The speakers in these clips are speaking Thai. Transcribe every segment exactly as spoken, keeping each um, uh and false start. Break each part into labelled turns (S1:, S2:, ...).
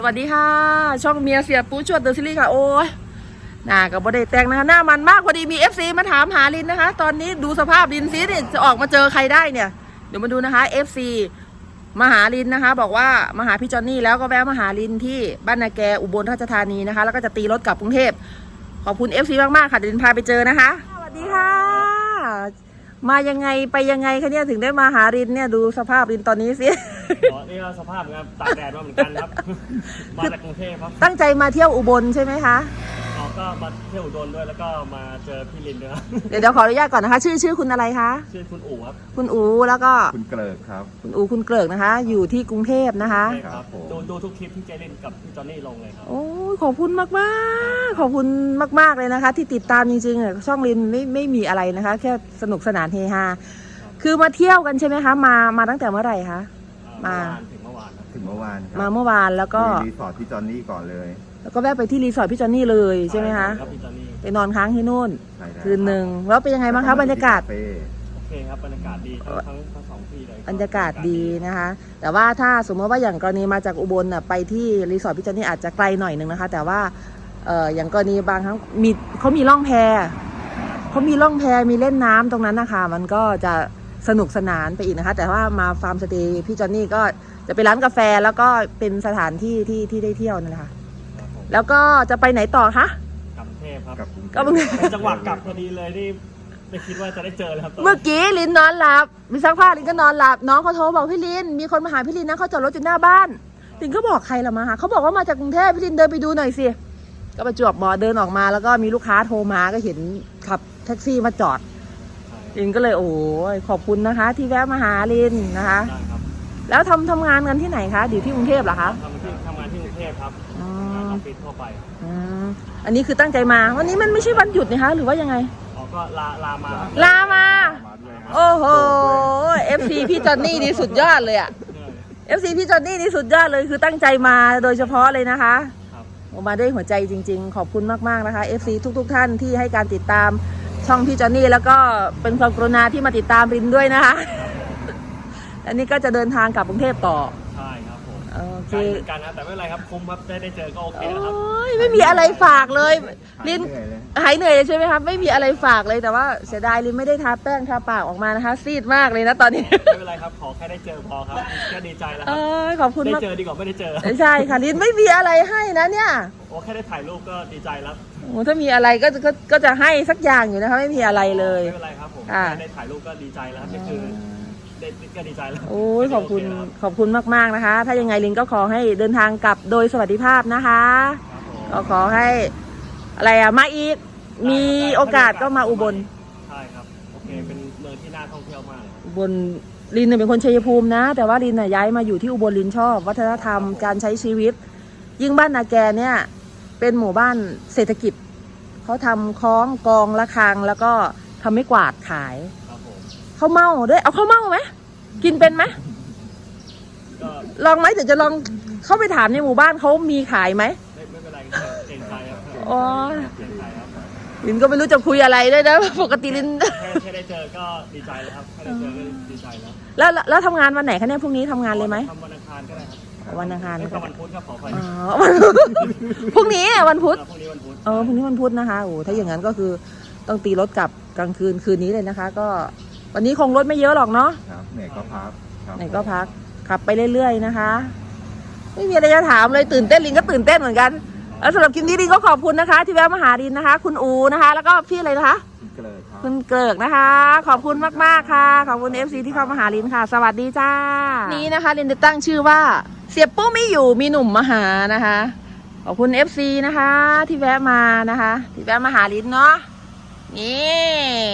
S1: สวัสดีค่ะช่องเมียเสียปูชวดเดอะซีรีส์ค่ะโอ้ยหน้ากับบอดี้แต่งนะคะหน้ามันมากพอดีมี เอฟ ซี มาถามหาลินนะคะตอนนี้ดูสภาพลินซิเนี่ยจะออกมาเจอใครได้เนี่ยเดี๋ยวมาดูนะคะ เอฟ ซี มาหาลินนะคะบอกว่ามาหาพี่จอนนี่แล้วก็แวะมาหาลินที่บ้านนาแกอุบลราชธานีนะคะแล้วก็จะตีรถกลับกรุงเทพขอบคุณ เอฟ ซี มากๆค่ะเดี๋ยวลินพาไปเจอนะคะสวัสดีค่ะมายังไงไปยังไงคะเนี่ยถึงได้มาหาลินเนี่ยดูสภาพลินตอนนี้สิ
S2: อ๋อนี่ก็สภาพครับตากแดดมาเหมือนกันครับ มาจากกรุงเทพครับ
S1: ตั้งใจมาเที่ยวอุบลใช่ไหมคะ
S2: อ๋อก็มาเที่ยวอุดรด้วยแล้วก็มาเจอพี่ลินด้วย
S1: เดี๋ยวเดี๋ยวขออนุญาตก่อนนะคะชื่อชื่อคุณอะไรคะ
S2: ชื่อคุณอู๋ครับ
S1: คุณอู๋แล้วก็
S3: คุณเกลิกครับ
S1: คุณอู๋คุณเกลิกนะคะอยู่ที่กรุงเทพนะคะ
S2: ใช่ครับดูดูทุกคลิปที่เจลินกับพี่จอนนี่ลงเลยครับ
S1: โอ้ขอบคุณมากมากขอบคุณมากๆเลยนะคะที่ติดตามจริงๆช่องลินไม่ไม่มีอะไรนะคะแค่สนุกสนานเฮฮาคือมาเที่ยวกันใช่ไหมคะมามาตั้งแต่เมื่อไหร่คะ
S2: มาถึงเมื่อวาน
S3: ถึงเมื่อวาน
S1: มาเมื่อวานแล้วก็
S3: รีสอร์ทพี่จอนนี่ก่อนเลย
S1: แล้วก็แวะไปที่รีสอร์ทพี่จอนนี่เลยใช่ไหมคะไปนอนค้างที่นู่นคืนหนึ่งแล้วเป็นยังไงบ้างคะบรรยากาศ
S2: โอเคครับบรรยากาศดีทั้งทั้งสองที่เลย
S1: บรรยากาศดีนะคะแต่ว่าถ้าสมมติว่าอย่างกรณีมาจากอุบลน่ะไปที่รีสอร์ทพี่จอนนี่อาจจะไกลหน่อยนึงนะคะแต่ว่าเอออย่างกรณีบางครั้งมีเขามีล่องแพเขามีล่องแพมีเล่นน้ำตรงนั้นนะคะมันก็จะสนุกสนานไปอีกนะคะแต่ว่ามาฟาร์มสเตย์พี่จอนนี่ก็จะไปร้านกาแฟแล้วก็เป็นสถานที่ที่ที่ได้เที่ยวนั่นแหละค่ะแล้วก็จะไปไหนต่อคะ
S2: กลับกรุงเทพครับ
S1: ก็เป็น
S2: จังหวะกลับพอดีเลยที่ไม่คิดว่าจะได้เจอเลยครับ
S1: เมื่อกี้ลินนอนหลับมีซักผ้าลินก็นอนหลับน้องเขาโทรบอกพี่ลินมีคนมาหาพี่ลินนะเขาจอดรถอยู่หน้าบ้านลินก็บอกใครละมาหาเขาบอกว่ามาจากกรุงเทพพี่ลินเดินไปดูหน่อยสิก็ประจวบหมอเดินออกมาแล้วก็มีลูกค้าโทรมาก็เห็นขับแท็กซี่มาจอดลินก็เลยโอ้ยขอบคุณนะคะที่แวะมาหาลินนะคะแล้วทำทำงานกันที่ไหนคะอยู่ที่กรุงเทพเหรอคะ
S2: ทำที่ทำงานที่กรุงเทพครับออฟฟิศทั่วไป
S1: อันนี้คือตั้งใจมาวันนี้มันไม่ใช่วันหยุดนะคะหรือว่ายังไง
S2: อ๋อก็ลาลามา
S1: ลามาโอ้โห เอฟ ซี พี่จอนนี่นี่สุดยอดเลยอะ เอฟ ซี พี่จอนนี่นี่สุดยอดเลยคือตั้งใจมาโดยเฉพาะเลยนะคะมาด้วยหัวใจจริงๆขอบคุณมากๆนะคะ เอฟ ซี ทุกๆท่านที่ให้การติดตามช่องพี่จอนนี่แล้วก็เป็นความกรุณาที่มาติดตามรินด้วยนะคะอันนี้ก็จะเดินทางกลับกรุงเทพต่อ
S2: ใช่ครับผม
S1: โอเค
S2: กันนะแต่ไม่เป็นไรครับคุ้มครับได้ได้เจอก็โอเคนะครับ
S1: ไม่มีอะไรฝากเลยลินหายเหนื่อยเลยใช่ไหมครับไม่มีอะไรฝากเลยแต่ว่าเสียดายลินไม่ได้ทาแป้งทาปากออกมานะคะซีดมากเลยนะตอนนี้
S2: ไม่เป็นไรครับขอแค่ได้เจอพอครับแค่ดีใจแล้วครับ
S1: ขอบคุณมาก
S2: ได้เจอดีกว่าไม่ได้เจอ
S1: ใช่ค่ะลินไม่มีอะไรให้นะเนี่ย
S2: โอ้แค่ได้ถ่ายรูปก็ดีใจแล้ว
S1: โอ้ถ้ามีอะไรก็ก็ก็จะให้สักอย่างอยู่นะคะไม่มีอะไรเลย
S2: ไม่เป็นไรครับผมได้ถ่ายรูปก็ดีใจแล้วนี่คือก็ดีใจแล้ว
S1: โอ้ยขอบคุณขอบคุณมากๆนะคะถ้ายังไงลินก็ขอให้เดินทางกลับโดยสวัสดิภาพนะคะก็ขอให้อะไรอะมาอีกมีโอกาสก็มาอุบล
S2: ใช่ครับโอเคเป็นเมืองที่น่าท่องเที่ยวมาก
S1: อุบลลินเนี่ยเป็นคนชัยภูมินะแต่ว่าลินน่ะย้ายมาอยู่ที่อุบลลินชอบวัฒนธรรมการใช้ชีวิตยิ่งบ้านนาแกเนี่ยเป็นหมู่บ้านเศรษฐกิจเขาทำคล้องกองระฆังแล้วก็ทำไม้กวาดขายข้าวเม่าด้วยเอาข้าวเม่าไหมกินเป็นไหมลองไหมเดี๋ยวจะลองเข้าไปถามในหมู่บ้านเขามีขายไหม
S2: ไม่ไม่เป็นไรเก่งใจครับ
S1: อ๋อลินก็ไม่รู้จะคุยอะไรด้วยนะปกติลิน
S2: แค่ได้เจอก็ดีใจแล้วครับแค่ได้เจอก็ดีใจแล้ว
S1: แล้วแล้วทำงานวันไหนคะเนี่ยพรุ่งนี้ทำงานเลยไหม
S2: ทำวันอังคารก็ได้ครับ
S1: วันอังคาร
S2: ก็วันพุธครับขออภัย
S1: อ๋อพรุ่งนี้วันพุธ
S2: พรุ่งนี้วันพุธ
S1: เออพรุ่งนี้วันพุธนะคะโอ้ถ้าอย่างนั้นก็คือต้องตีรถกลับกลางคืนคืนนี้เลยนะคะก็วันนี้คงรถไม่เยอะหรอกเนาะ
S3: ครับไหนก็พัก
S1: ไหนก็พักขับไปเรื่อยๆนะคะไม่มีอะไรจะถามเลยตื่นเต้นลินก็ตื่นเต้นเหมือนกันแล้วสำหรับคลิปนี้ลินก็ขอบคุณนะคะที่แวะมาหาลินนะคะคุณอูนะคะแล้วก็พี่อะไรนะคะคุณเกลิกนะคะขอบคุณมากๆค่ะขอบคุณ เอฟ ซี ที่เข้ามาหาลินค่ะสวัสดีจ้านี้นะคะลินจะตั้งชื่อว่าเสียปุ๊ไม่อยู่มีหนุ่มมาหานะคะขอบคุณ เอฟ ซี นะคะที่แวะมานะคะที่แวะมาหาลินเนาะนี่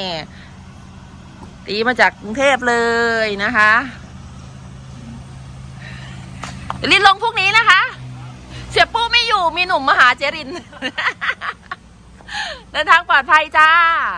S1: ตีมาจากกรุงเทพเลยนะคะลินลงพวกนี้นะคะเสียปู้ไม่อยู่มีหนุ่มมาหาเจรินเดินทางปลอดภัยจ้า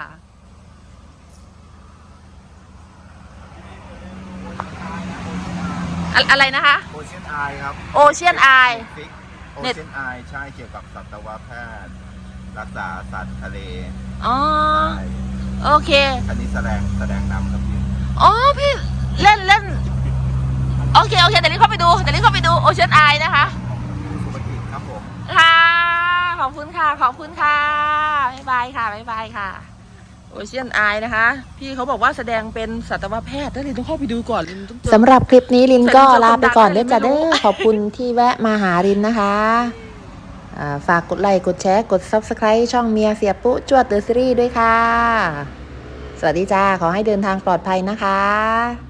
S1: อะไรนะคะ
S3: โอเชียนไอครับ
S1: โอเชียนไอ
S3: โอเชียนไอใช่เกี่ยวกับสัตวแพทย์รักษาสัตว์ทะเล
S1: อ๋อโอเค
S3: อันนี้แสดงแสดงนำครับพี่
S1: อ๋อพี่เล่นเล่นโอเคโอเคแต่นี้เข้าไปดูแต่นี้เข้าไปดูโอเชียนไอนะคะค่ะขอบคุณค่ะบ๊ายบายค่ะบ๊ายบายค่ะโอเชียนอายนะคะ พี่เขาบอกว่าแสดงเป็นสัตวแพทย์แล้วลินต้องเข้าไปดูก่อนลินต้องเจอ
S4: สำหรับคลิปนี้ลินก็ลาไปก่อนเด้อจ้ะเด้อขอบคุณที่แวะมาหาลินนะคะอ่าฝากกดไลค์กดแชร์กด ซับสไครบ์ ช่องเมียเสียปุ๊จวดเดอะซีรีส์ด้วยค่ะ สวัสดีจ้า ขอให้เดินทางปลอดภัยนะคะ